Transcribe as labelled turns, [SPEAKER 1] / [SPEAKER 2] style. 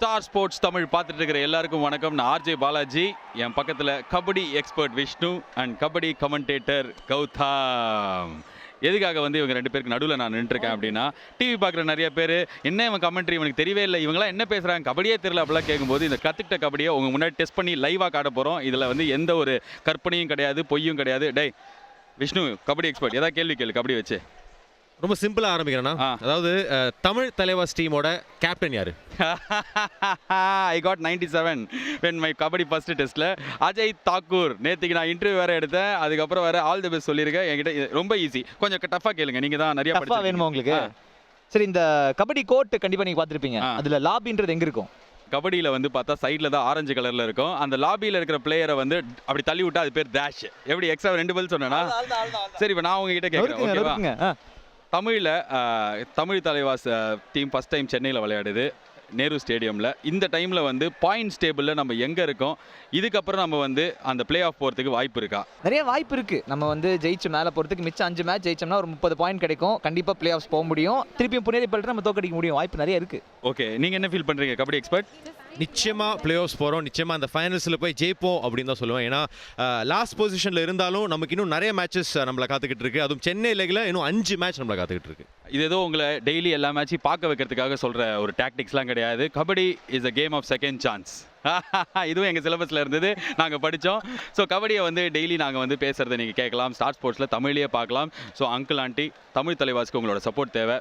[SPEAKER 1] Star sports Tamil பார்த்துட்டு இருக்கிற எல்லாருக்கும் வணக்கம். நான் ஆர்ஜே பாலாஜி. என் பக்கத்தில் kabaddi expert Vishnu and kabaddi commentator Gautham. எதுக்காக வந்து இவங்க ரெண்டு பேருக்கு நடுவில் நான் நின்றுருக்கேன் அப்படின்னா, டிவி பார்க்குற நிறைய பேர் என்ன இவன் கமெண்ட்ரி இவனுக்கு தெரியவே இல்லை, இவங்களாம் என்ன பேசுகிறாங்க, கபடியே தெரியல அப்படிலாம் கேட்கும்போது இந்த கற்றுக்கிட்ட கபடியை உங்கள் முன்னாடி டெஸ்ட் பண்ணி லைவாக காட்ட போகிறோம். இதில் வந்து எந்த ஒரு கற்பனையும் கிடையாது, பொய்யும் கிடையாது. டேய் விஷ்ணு, கபடி எக்ஸ்பர்ட், ஏதாவது கேள்வி கேளு கபடி வச்சு.
[SPEAKER 2] ரொம்ப சிம்பிளா ஆரம்பிக்கிறேன்னா, அதாவது தமிழ் தலைவாஸ் டீமோட கேப்டன் யாரு?
[SPEAKER 1] I got 97 when my kabaddi first டெஸ்ட்ல. அஜய் தாக்கூர். நேத்திக்கு நான் இன்டர்வியூ வேற எடுத்தேன், அதுக்கப்புறம் வேற ஆல் தி பெஸ்ட் சொல்லியிருக்கேன். என்கிட்ட ரொம்ப ஈஸி, கொஞ்சம் டஃபா கேளுங்க, நீங்க தான் நிறைய
[SPEAKER 3] டஃபா வேணுமா உங்களுக்கு? சரி, இந்த கபடி கோர்ட் கண்டிப்பா நீங்க பார்த்திருப்பீங்க. அதுல லாபின்றது எங்க இருக்கும்?
[SPEAKER 1] கபடியில் வந்து பார்த்தா சைடில் தான் ஆரஞ்சு கலரில் இருக்கும். அந்த லாபியில் இருக்கிற பிளேயரை வந்து அப்படி தள்ளி விட்டா அது பேர் டேஷ். எப்படி எக்ஸ்ட்ரா 2 பதில் சொன்னேன்னா? சரி, இப்போ நான் உங்ககிட்ட கேட்குறேன், ஓகேவா? தமிழில் Tamil Thalaivas team first time சென்னையில் விளையாடுது, நேரு ஸ்டேடியமில். இந்த டைமில் வந்து பாயிண்ட்ஸ் டேபிளில் நம்ம எங்கே இருக்கோம், இதுக்கப்புறம் நம்ம வந்து அந்த பிளே ஆஃப் போகிறதுக்கு வாய்ப்பு இருக்கா?
[SPEAKER 3] நிறைய வாய்ப்பு இருக்கு. நம்ம வந்து ஜெயிச்சு மேலே போகிறதுக்கு மிச்சம் 5 மேட்ச் ஜெயிச்சோம்னா ஒரு 30 பாயிண்ட் கிடைக்கும். கண்டிப்பாக பிளே ஆஃப்ஸ் போக முடியும். திருப்பியும் புனேரி பல்ட்டு நம்ம தோக்கடிக்க முடியும். வாய்ப்பு நிறைய இருக்கு.
[SPEAKER 1] ஓகே, நீங்கள் என்ன ஃபீல் பண்ணுறீங்க கபடி எக்ஸ்பர்ட்?
[SPEAKER 2] நிச்சயமா பிளே ஆஃப்ஸ் போகிறோம், நிச்சயமா அந்த ஃபைனல்ஸில் போய் ஜெயிப்போம் அப்படின்னு தான் சொல்லுவேன். ஏன்னா லாஸ்ட் பொசிஷனில் இருந்தாலும் நமக்கு இன்னும் நிறைய மேட்சஸ் நம்மளை காத்துக்கிட்டு இருக்கு. அதுவும் சென்னை லீக்ல இன்னும் 5 மேட்ச் நம்மளை காத்துக்கிட்டு இருக்கு.
[SPEAKER 1] இது ஏதோ உங்களை டெய்லி எல்லா மேட்சையும் பார்க்க வைக்கிறதுக்காக சொல்கிற ஒரு டாக்டிக்ஸ்லாம் கிடையாது. Kabaddi is a game of second chance. இதுவும் எங்கள் சிலபஸில் இருந்தது, நாங்கள் படித்தோம். ஸோ கபடியை வந்து டெய்லி நாங்கள் வந்து பேசுகிறத நீங்கள் கேட்கலாம். ஸ்டார் ஸ்போர்ட்ஸில் தமிழ்லேயே பார்க்கலாம். ஸோ அங்கிள் ஆண்டி, தமிழ் தலைவாஸ்க்கு உங்களோட சப்போர்ட் தேவை.